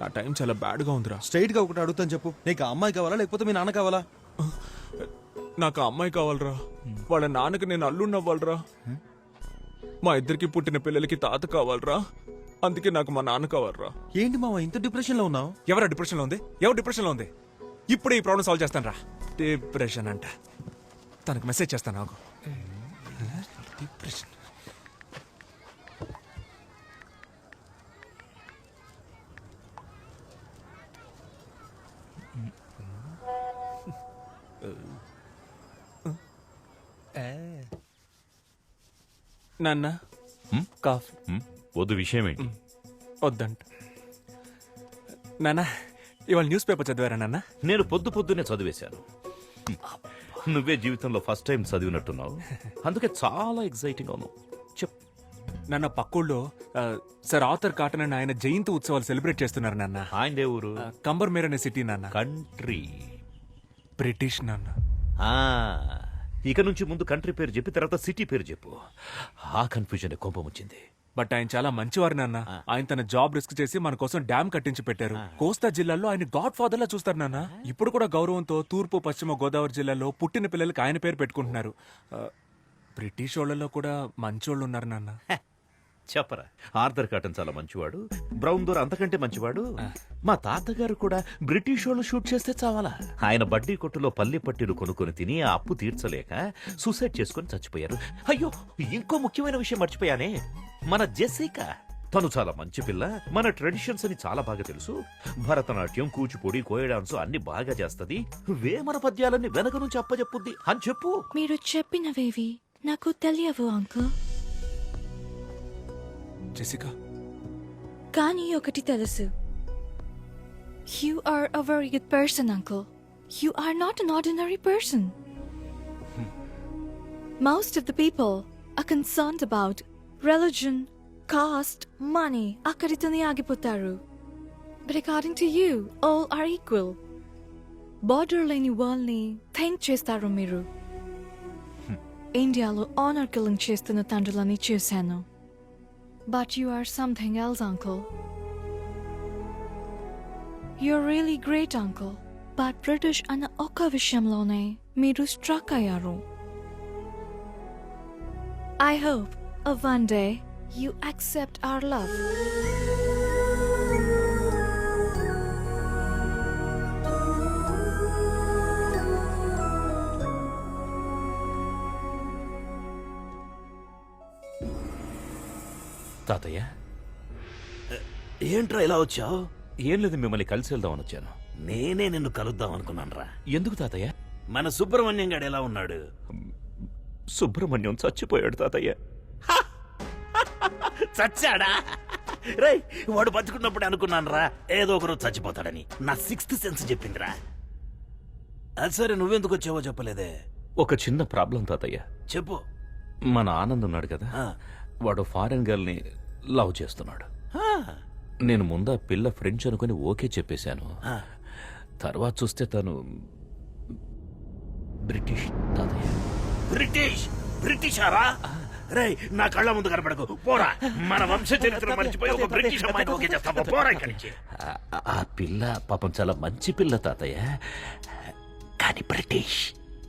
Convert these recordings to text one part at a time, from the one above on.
Time చాలా బ్యాడ్గా ఉందిరా. స్ట్రైట్ గా ఒకటి అడుగుతాను చెప్పు, నీకు ఆ అమ్మాయి కావాలా లేకపోతే మీ నాన్న కావాలా? నాకు ఆ అమ్మాయి కావాలరా. వాళ్ళ నాన్నకి నేను అల్లుడిని అవ్వాలరా. మా ఇద్దరికి పుట్టిన పిల్లలకి తాత కావాలరా. అందుకే నాకు మా నాన్న కావాలరా. ఏంటి మామ ఇంత డిప్రెషన్ లో ఉన్నావు? ఎవరా డిప్రెషన్లో ఉంది? ఎవరు డిప్రెషన్లో ఉంది? ఇప్పుడే ఈ ప్రాబ్లం సాల్వ్ చేస్తాను రా. డిప్రెషన్ అంట. తనకు మెసేజ్ చేస్తాను నాకు. డిప్రెషన్. నాన్న కాఫీ వద్దు, విషయం ఏంటి? వద్దంట. నాన్న ఇవాళ న్యూస్ పేపర్ చదివారా నాన్న? నేను పొద్దున్నే చదివేశాను. నువ్వే జీవితంలో ఫస్ట్ టైం చదివినట్టున్నావు, అందుకే చాలా ఎక్సైటింగ్ అవును. చెప్ నాన్న పక్కూళ్ళో సార్ ఆర్థర్ కాటన్ అని ఆయన జయంతి ఉత్సవాలు సెలబ్రేట్ చేస్తున్నారు నాన్న. ఆయన ఊరు? కంబర్మేర్ అనే సిటీ నాన్న. కంట్రీ? బ్రిటిష్ నాన్న. ఇక నుంచి ముందు కంట్రీ పేరు చెప్పి తర్వాత సిటీ పేరు చెప్పు. ఆ కన్ఫ్యూజన్ కోపం వచ్చింది. బట్ ఆయన చాలా మంచివారు నాన్న. ఆయన తన జాబ్ రిస్క్ చేసి మన కోసం డ్యామ్ కట్టించి పెట్టారు. కోస్తా జిల్లాలో ఆయన గాడ్ ఫాదర్ లా చూస్తారు నాన్న. ఇప్పుడు కూడా గౌరవంతో తూర్పు పశ్చిమ గోదావరి జిల్లాలో పుట్టిన పిల్లలకి ఆయన పేరు పెట్టుకుంటున్నారు. బ్రిటిష్ వాళ్ళలో కూడా మంచోళ్ళు ఉన్నారు నాన్న. చెప్పరా, ఆర్థర్ కాటన్ చాలా మంచివాడు, బ్రౌన్ దోర్ అంతకంటే మంచివాడు. మా తాతగారు కూడా బ్రిటిష్ వాళ్ళు షూట్ చేస్తే చావాలా. ఆయన బడ్డీ కొట్టులో పల్లి పట్టీలు కొనుక్కొని తిని ఆ అప్పు తీర్చలేక సూసైడ్ చేసుకుని చచ్చిపోయారు. అయ్యో, ఇంకో ముఖ్యమైన విషయం మర్చిపోయానే, మన జెసికా. తను చాలా మంచి పిల్ల, మన ట్రెడిషన్స్ అని చాలా బాగా తెలుసు. భరతనాట్యం, కూచిపూడి, కోయ డాన్స్ అన్ని బాగా చేస్తది. వేమన పద్యాలన్నీ వెనక నుంచి అప్పచెప్పుద్ది అని చెప్పు. మీరు చెప్పినవేవి నాకు తెలియవు అంకుల్. జెసికా, కానీ ఒకటి తెలుసు. You are a very good person, uncle. You are not an ordinary person. Most of the people are concerned about religion, caste, money. Akkaritone agipotaru. But according to you, all are equal. Border leni world ni think chestaru miru. Indialo honor killing chestunna tandrulani chusanu. But you are something else, uncle. You're really great, uncle. But British ana oka vishamlone meeru struck ayaru. I hope one day you accept our love. తాతయ్య, ఏంట్రా ఇలా వచ్చావు? ఏం లేదు, మిమ్మల్ని కలిసి వెళ్దామని వచ్చాను. నేనే నిన్ను కలుద్దాం అనుకున్నానురా. ఎందుకు తాతయ్య? మన సుబ్రహ్మణ్యం గాడు ఎలా ఉన్నాడు? సుబ్రహ్మణ్యం చచ్చిపోయాడు తాతయ్య. చచ్చాడా? రై, వాడు బతుకున్నప్పుడు అనుకున్నానురా ఏదో ఒకరోజు చచ్చిపోతాడని. నా సిక్స్త్ సెన్స్ చెప్పిందిరా. అది సరే, నువ్వెందుకు వచ్చావో చెప్పలేదే. ఒక చిన్న ప్రాబ్లం తాతయ్య. చెప్పు. మన ఆనంద్ ఉన్నాడు కదా, వాడు ఫారెన్ గర్ల్ ని లవ్ చేస్తున్నాడు. నేను ముందా పిల్ల ఫ్రెంచ్ అనుకుని ఓకే చెప్పేశాను. తర్వాత చూస్తే తను బ్రిటిష్ తాతయ్య. బ్రిటిష్? బ్రిటిషారా? రేయ్, నా కళ్ళ ముందు కనపడకు, పోరా. మన వంశ చరిత్ర మర్చిపోయి ఒక బ్రిటిష్ అమ్మాయిని ఓకే చేస్తావా? పోరా ఇక్కడి నుంచి. ఆ పిల్ల పాపం చాలా మంచి పిల్ల తాతయ్య, కానీ బ్రిటిష్.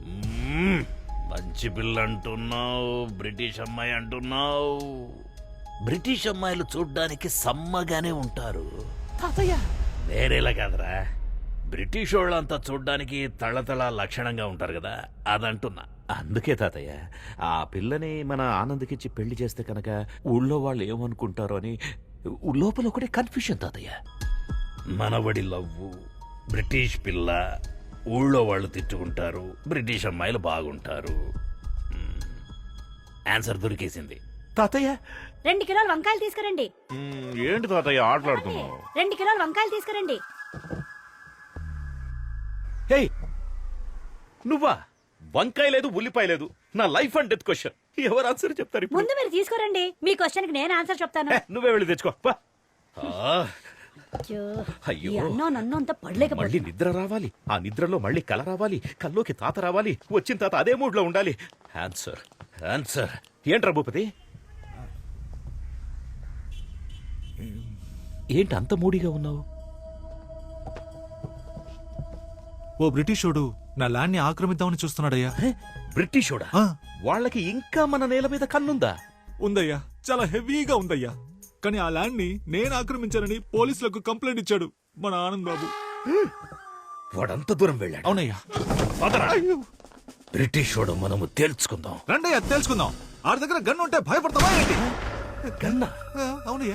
మంచి పిల్ల అంటున్నావు, బ్రిటిష్ అమ్మాయి అంటున్నావు. బ్రిటిష్ అమ్మాయిలు చూడ్డానికి సమ్మగానే ఉంటారు తాతయ్య. వేరేలా కాదురా, బ్రిటిష్ వాళ్ళంతా చూడ్డానికి తళతళ లక్షణంగా ఉంటారు కదా, అదంటున్నా. అందుకే తాతయ్య, ఆ పిల్లని మన ఆనంద్కిచ్చి పెళ్లి చేస్తే కనుక ఊళ్ళో వాళ్ళు ఏమనుకుంటారో అని లోపల ఒకటే కన్ఫ్యూషన్ తాతయ్య. మనవడి లవ్వు, బ్రిటిష్ పిల్ల, ఊళ్ళో వాళ్ళు తిట్టుకుంటారు, బ్రిటిష్ అమ్మాయిలు బాగుంటారు. ఆన్సర్ దొరికేసింది తాతయ్య. 2 కిలోల వంకాయలు తీసుకురండి. ఏంటి తాతయ్య ఆటలాడుతున్నావు? 2 కిలోల వంకాయలు తీసుకురండి. హే, నువ్వా? వంకాయ లేదు, ఉల్లిపాయ లేదు. నా లైఫ్ అండ్ డెత్ క్వశ్చన్. ఎవరు ఆన్సర్ చెప్తారు ఇప్పుడు? ముందు మీరు తీసుకురండి, మీ క్వశ్చన్ కి నేను ఆన్సర్ చెప్తాను. నువ్వే వెళ్ళి తెచ్చుకో. అయ్యో, నన్ను అంత పడలేకపోతే మళ్ళీ నిద్ర రావాలి, ఆ నిద్రలో మళ్ళీ కల రావాలి, కల్లోకి తాత రావాలి, వచ్చిన తాత అదే మూడ్ లో ఉండాలి. ఆన్సర్ ఆన్సర్ ఏంట్రా భూపతి? ఏంటి అంత మూడీగా ఉన్నావు? ఓ బ్రిటిషోడు నా ల్యాండ్ ని ఆక్రమిద్దామని చూస్తున్నాడయ్యా. బ్రిటిషోడా? ఆ, వాళ్ళకి ఇంకా మన నేల మీద కన్నుందా? ఉందయ్యా, చాలా హెవీగా ఉందయ్యా. కానీ ఆ ల్యాండ్ ని నేను ఆక్రమించానని పోలీసులకు కంప్లైంట్ ఇచ్చాడు మన ఆనంద్ బాబు. వాడంత దూరం వెళ్ళాడు. అవునయ్యా. పదరా. బ్రిటిషోడు మనము తేల్చుకుందాం. రండయ్యా తెలుసుకుందాం. ఆడి దగ్గర గన్ను ఉంటే భయపడతావా ఏంటి? గన్నా? ఆ, అవునయ్యా.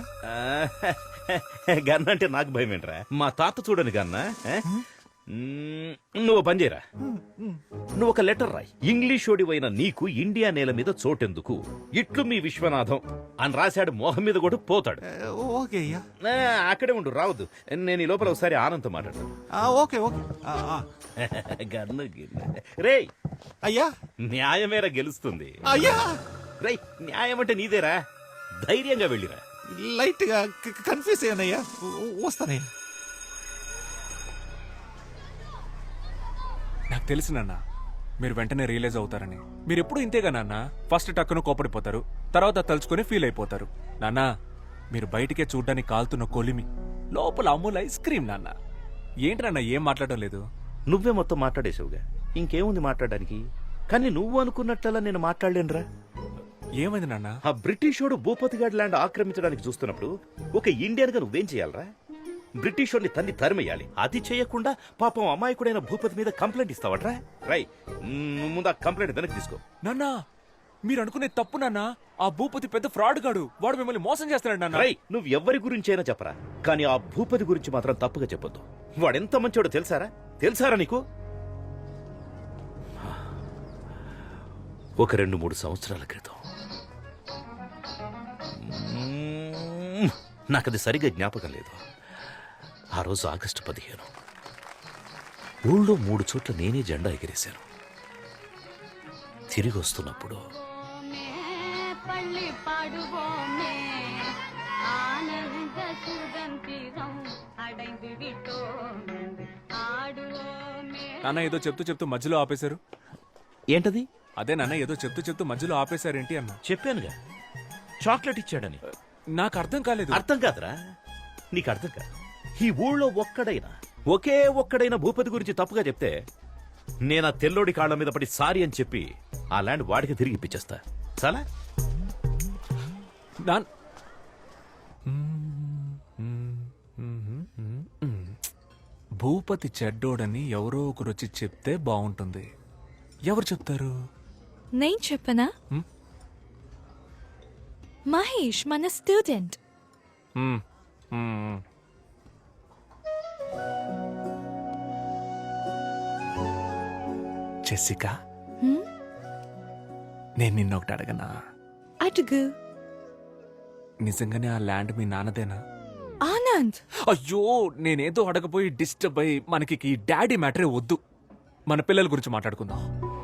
గన్న అంటే నాకు భయం ఏంట్రా? మా తాత చూడని గన్నా. నువ్వు పని చేయరా, నువ్వు ఒక లెటర్ రాయి. ఇంగ్లీష్ ఓడివైన నీకు ఇండియా నేల మీద చోటెందుకు, ఇట్లు మీ విశ్వనాథం అని రాశాడు. మోహం మీద కూడా పోతాడు. ఓకే అయ్యా. అక్కడే ఉండు, రావద్దు. నేను ఈ లోపల ఒకసారి ఆనంద్ మాట్లాడతాను. Okay okay. గన్ను రే, అయ్యా న్యాయమేరా గెలుస్తుంది. అయ్యా రేయ్, న్యాయం అంటే నీదేరా, ధైర్యంగా వెళ్ళిరా. లైట్ గా కన్ఫ్యూజ్ అయ్యానయ్యా. వస్తానయ్యా. నాకు తెలుసు నాన్న, మీరు వెంటనే రియలైజ్ అవుతారని. మీరు ఎప్పుడు ఇంతేగా నాన్న, ఫస్ట్ టక్కును కోపడిపోతారు, తర్వాత తలుచుకొని ఫీల్ అయిపోతారు. నాన్న, మీరు బయటికే చూడ్డానికి కాలుతున్న కొలిమి, లోపల అమూల్ ఐస్ క్రీమ్. నాన్న ఏంటి నాన్న ఏం మాట్లాడడం లేదు? నువ్వే మొత్తం మాట్లాడేసావుగా, ఇంకేముంది మాట్లాడడానికి? కానీ నువ్వు అనుకున్నట్లలా నేను మాట్లాడలేనురా. ఏమైంది నాన్న? ఆ బ్రిటిషోడు భూపతిగాడ్ ల్యాండ్ ఆక్రమించడానికి చూస్తున్నప్పుడు ఒక ఇండియన్ గా నువ్వేం చేయాలరా? బ్రిటిషోడిని తన్ని తరిమేయాలి. అది చేయకుండా పాపం అమాయకుడైన భూపతి మీద కంప్లైంట్ ఇస్తావట్రా? రై, ముందు ఆ కంప్లైంట్ వెనక్కి తీసుకో. నాన్న, మీరు అనుకునే తప్పు నాన్న. ఆ భూపతి పెద్ద ఫ్రాడ్ గాడు, వాడు మిమ్మల్ని మోసం చేస్తున్నాడు నాన్న. రై, నువ్వు ఎవరి గురించి అయినా చెప్పరా, కానీ ఆ భూపతి గురించి మాత్రం తప్పుగా చెప్పొద్దు. వాడెంత మంచోడో తెలుసారా నీకు? ఒక 2-3 సంవత్సరాల క్రితం, నాకది సరిగా జ్ఞాపకం లేదు. ఆ రోజు ఆగస్టు 15, ఊళ్ళో 3 చోట్ల నేనే జెండా ఎగిరేశాను. తిరిగి వస్తున్నప్పుడు నాన్న ఏదో చెప్తూ మధ్యలో ఆపేశారు. ఏంటది? అదే నాన్న, ఏదో చెప్తూ మధ్యలో ఆపేశారేంటి అన్న. చెప్పానుగా, చాక్లెట్ ఇచ్చాడని. నాకు అర్థం కాలేదు. అర్థం కాదురా, నీకు అర్థం కాదు. ఈ ఊళ్ళో ఒకే ఒక్కడైనా భూపతి గురించి తప్పుగా చెప్తే నేను ఆ తెల్లోడి కాళ్ళ మీద పడి సారీ అని చెప్పి ఆ ల్యాండ్ వాడికి తిరిగి ఇప్పించేస్తా. చాలా నాన్ భూపతి చెడ్డోడని ఎవరో ఒకరు వచ్చి చెప్తే బాగుంటుంది. ఎవరు చెప్తారు? నేను చెప్పనా? మహేష్ మన స్టూడెంట్. మ్మ్. మ్మ్. జెసికా, నేను నిన్నొకటి అడగనా? అడుగు. నిజంగానే ఆ ల్యాండ్ మీ నాన్నదేనా? ఆనంద్, అయ్యో, నేనేదో అడగపోయి డిస్టర్బ్ అయ్యి మనకి ఈ డాడీ మ్యాటరే వద్దు. మన పిల్లల గురించి మాట్లాడుకుందాం.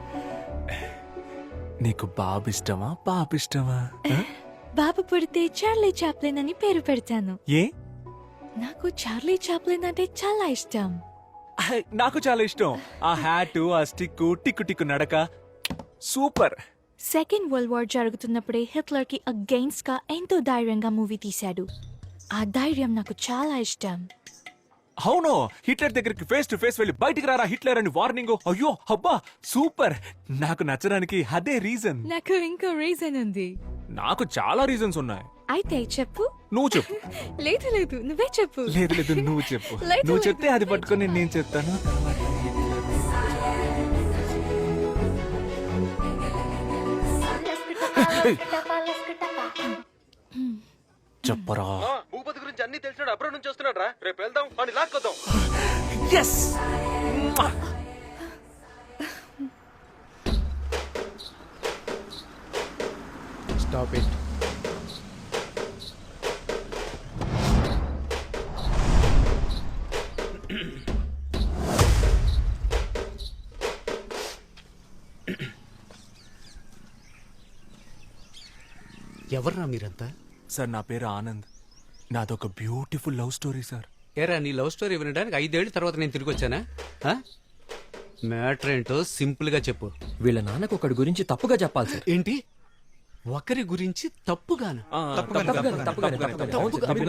నీకు బాబు ఇష్టమా పాప ఇష్టమా? బాబు పుడితే చార్లీ చాప్లిన్ అని పేరు పెడతాను. ఏ? నాకు చార్లీ చాప్లిన్ అంటే చాలా ఇష్టం. నాకు చాలా ఇష్టం. ఆ హ్యాట్, ఆ స్టిక్, టిక్కు టిక్కు నడక సూపర్. సెకండ్ వరల్డ్ వార్ జరుగుతున్నప్పుడే హిట్లర్ కి అగెయిన్స్ట్ గా ఎంతో ధైర్యంగా మూవీ తీశాడు. ఆ ధైర్యం నాకు చాలా ఇష్టం. అవును, హిట్లర్ దగ్గరికి ఫేస్ టు ఫేస్ వెళ్ళి బయటికి రారా హిట్లర్ అని వార్నింగ్. అయ్యో అబ్బా సూపర్. నాకు నచ్చడానికి అదే రీజన్. నాకు ఇంకో రీజన్ ఉంది. నాకు చాలా రీజన్స్ ఉన్నాయి. అయితే చెప్పు. నువ్వు చెప్పు. లేదు నువ్వే చెప్పు. లేదు నువ్వు చెప్పు. లేదు, నువ్వు లేదు, చెప్తే అది పట్టుకొని నేను చెప్తాను. చెప్పరా. భూపతి గురించి అన్ని తెలిసినాడు, అబ్రాడ్ నుంచి వస్తున్నాడు రా. రేపు వెళ్దాం, వాడిని లాక్కొద్దాం. ఎస్. Stop it. ఎవర్రా మీరంతా? సార్, నా పేరు ఆనంద్. నాదొక బ్యూటిఫుల్ లవ్ స్టోరీ సార్. ఏరా, నీ లవ్ స్టోరీ వినడానికి 5 ఏళ్ల తర్వాత నేను తిరిగి వచ్చానా? మ్యాటర్ ఏంటో సింపుల్ గా చెప్పు. వీళ్ళ నాన్నకు ఒకటి గురించి తప్పుగా చెప్పాలి సార్. ఏంటి? ఒకరి గురించి తప్పుగానా?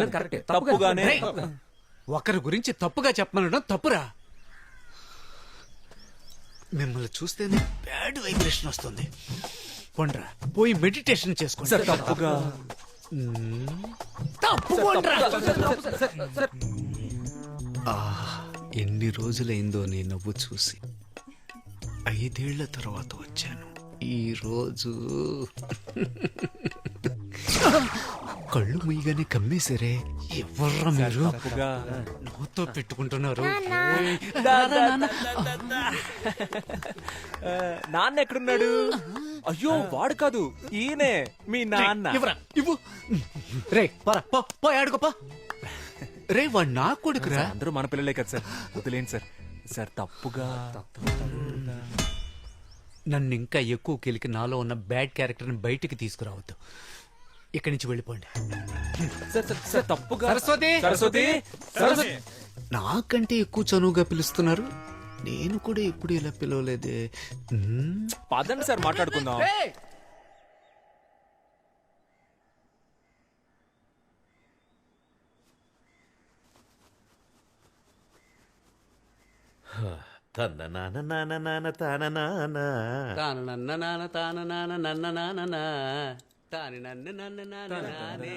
తప్పుగానే. ఒకరి గురించి తప్పుగా చెప్పమనడం తప్పురా. మిమ్మల్ని చూస్తేనే బ్యాడ్ వైబ్రేషన్ వస్తుంది. పోండ్రా పోయి మెడిటేషన్ చేసుకోండి. సార్ తప్పుగా తప్పు పోండ్రా. ఎన్ని రోజులైందో నీ నవ్వు చూసి. 5 ఏళ్ల తర్వాత వచ్చాను. ఈ రోజు కళ్ళు ముయ్యగానే కమ్మేశారే. ఎవర్రా మీరు? తప్పుగా నవ్వుతో పెట్టుకుంటున్నారు. నాన్న ఎక్కడున్నాడు? అయ్యో వాడు కాదు, ఈయనే మీ నాన్న. ఇవ్వరా ఇవ్వు. రే పరా పో ఆడుకోపా. రే వాడు నా కొడుకురా. అందరూ మన పిల్లలే కదా సార్, వదిలేండి సార్. సార్ తప్పుగా నన్ను ఇంకా ఎక్కువ కెలికి నాలో ఉన్న బ్యాడ్ క్యారెక్టర్ని బయటికి తీసుకురావద్దు. ఇక్కడి నుంచి వెళ్ళిపోండి. సార్ సార్ సార్ తప్పుగా. సరస్వతి! సరస్వతి! సరస్వతి! నాకంటే ఎక్కువ చనువుగా పిలుస్తున్నారు. నేను కూడా ఎప్పుడు ఇలా పిలవలేదే. పదండి సార్ మాట్లాడుకుందాం. తన నాన్న నాన్న నాన్న తాన నాన్న. తాన నన్న నాన్న తాన నాన్న నన్న నాన్న తాని నన్న నన్న నాన్న నానే.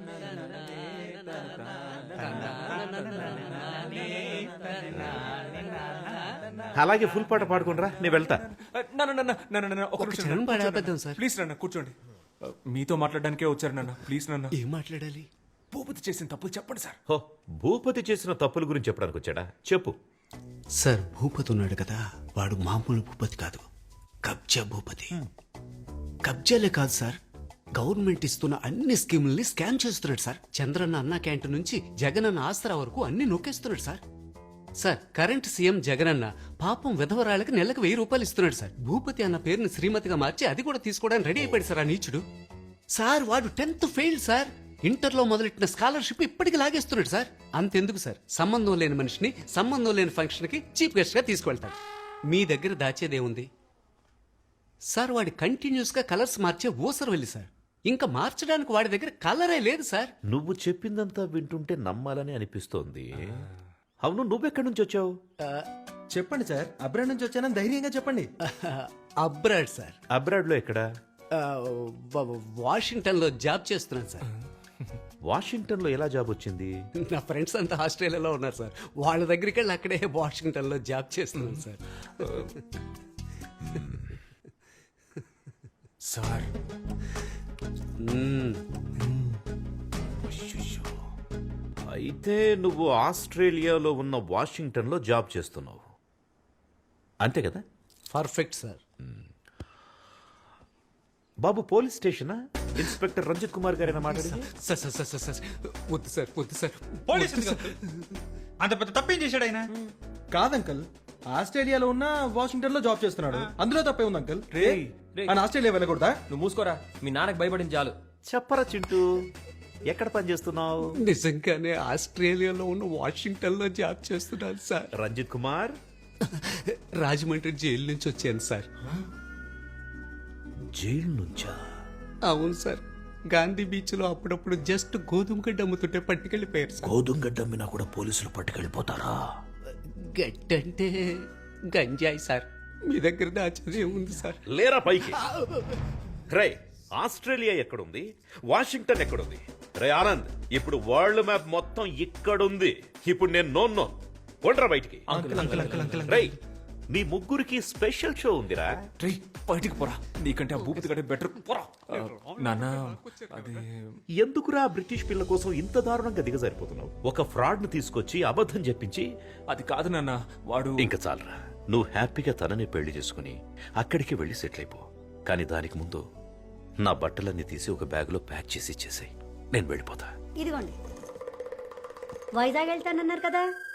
అలాగే ఫుల్ పాట పాడుకుండ్రా, నేను వెళ్తా. ఒక క్షణం పడాబద్దాం సార్. ప్లీజ్ నాన్న కూర్చోండి. మీతో మాట్లాడడానికే వచ్చారు నాన్న. ప్లీజ్ నాన్న. ఏం మాట్లాడాలి? భూపతి చేసిన తప్పులు చెప్పండి సార్. హో, భూపతి చేసిన తప్పుల గురించి చెప్పడానికి వచ్చాడా? చెప్పు. సార్ భూపతి ఉన్నాడు కదా, వాడు మామూలు భూపతి కాదు, కబ్జా భూపతి. కబ్జాలే కాదు సార్, గవర్నమెంట్ ఇస్తున్న అన్ని స్కీముల్ని స్కామ్ చేస్తున్నాడు సార్. చంద్రన్న అన్న క్యాంటీన్ నుంచి జగనన్న ఆసరా వరకు అన్ని నొక్కేస్తున్నాడు sir. Sir current CM Jagananna పాపం విధవరాళ్ళకి నెలకు 1000 రూపాయలు ఇస్తున్నాడు సార్. భూపతి అన్న పేరుని శ్రీమతిగా మార్చి అది కూడా తీసుకోవడానికి రెడీ అయిపోయాడు సార్ ఆ నీచుడు. సార్ వాడు 10th ఫెయిల్ సార్. ఇంటర్లో మొదలెట్టిన స్కాలర్షిప్ ఇప్పటికి లాగేస్తున్నాడు సార్. అంతెందుకు సార్, సంబంధం లేని మనిషిని సంబంధం లేని ఫంక్షన్కి చీఫ్ గెస్ట్గా తీసుకువెళ్తాడు. మీ దగ్గర దాచేదేముంది సార్? వాడి కంటిన్యూస్గా కలర్స్ మార్చే ఊసరు వెళ్ళి సార్. ఇంకా మార్చడానికి వాడి దగ్గర కలరే లేదు సార్. నువ్వు చెప్పిందంతా వింటుంటే నమ్మాలని అనిపిస్తోంది. అవును, నువ్వెక్కడి నుంచి వచ్చావు? చెప్పండి సార్, అబ్రాడ్ నుంచి వచ్చానని ధైర్యంగా చెప్పండి. Abroad sir. అబ్రాడ్ లో ఎక్కడ? వాషింగ్టన్ లో జాబ్ చేస్తున్నాను సార్. వాషింగ్టన్ లో ఎలా జాబ్ వచ్చింది? నా ఫ్రెండ్స్ అంతా ఆస్ట్రేలియాలో ఉన్నారు సార్. వాళ్ళ దగ్గరికి వెళ్ళి అక్కడే వాషింగ్టన్ లో జాబ్ చేస్తున్నాను సార్. సార్ అయితే నువ్వు ఆస్ట్రేలియాలో ఉన్న వాషింగ్టన్ లో జాబ్ చేస్తున్నావు, అంతే కదా? Perfect sir. బాబు పోలీస్ స్టేషనా? ఇన్స్పెక్టర్ రంజిత్ కుమార్ గారైనా మాట్లాడింది? సార్ సార్ సార్ సార్ వద్దు సార్, వద్దు సార్. అంత పెద్ద తప్పేం చేశాడు ఆయన? కాదు అంకల్, ఆస్ట్రేలియాలో ఉన్న వాషింగ్టన్ లో జాబ్ చేస్తున్నాడు, అందులో తప్పే ఉంది అంకల్. ఆయన ఆస్ట్రేలియా వెళ్ళకూడదా? నువ్వు మూసుకోరా, మీ నాన్నకి భయపడింది చాలు. చెప్పరా చింటూ, ఎక్కడ పని చేస్తున్నావు? నిజంగానే ఆస్ట్రేలియాలో ఉన్న వాషింగ్టన్ లో జాబ్ చేస్తున్నాను సార్. రంజిత్ కుమార్, రాజమండ్రి జైలు నుంచి వచ్చాను సార్. జైలు నుంచా? అవును సార్. గాంధీ బీచ్ లో అప్పుడప్పుడు జస్ట్ గోధుమ గడ్డ అమ్ముతుంటే పట్టుకెళ్ళిపోయారు సార్. గోధుమ గడ్డ అమ్మినా కూడా పోలీసులు పట్టుకెళ్ళిపోతారా? గడ్డంటే గంజాయి సార్. మీ దగ్గర దాచేది ఏముంది సార్? లేరా పైకి. రే, ఆస్ట్రేలియా ఎక్కడుంది, వాషింగ్టన్ ఎక్కడుంది? రే ఆనంద్, ఇప్పుడు వరల్డ్ మ్యాప్ మొత్తం ఇక్కడుంది. ఇప్పుడు నేను నో కొండ్రా బయటికి. రే, మీ ముగ్గురికి స్పెషల్ షో ఉందిరా. రే బయటికి పోరా, నీకంటే ఆ భూపతి గడే బెటర్. పోరా నాన్న. అది ఎందుకురా బ్రిటిష్ పిల్ల కోసం ఇంత దారుణంగా దిగజారిపోతున్నావు? ఒక ఫ్రాడ్ ను తీసుకొచ్చి అబద్ధం చెప్పించి. అది కాదు నాన్న, వాడు. ఇంకా చాలరా, నువ్వు హ్యాపీగా తనని పెళ్లి చేసుకుని అక్కడికి వెళ్ళి సెటిల్ అయిపో. కానీ దానికి ముందు నా బట్టలన్నీ తీసి ఒక బ్యాగులో ప్యాక్ చేసి ఇచ్చేసాయి, నేను వెళ్ళిపోతా. ఇదిగోండి. వైజాగ్ వెళ్తానన్నారు కదా,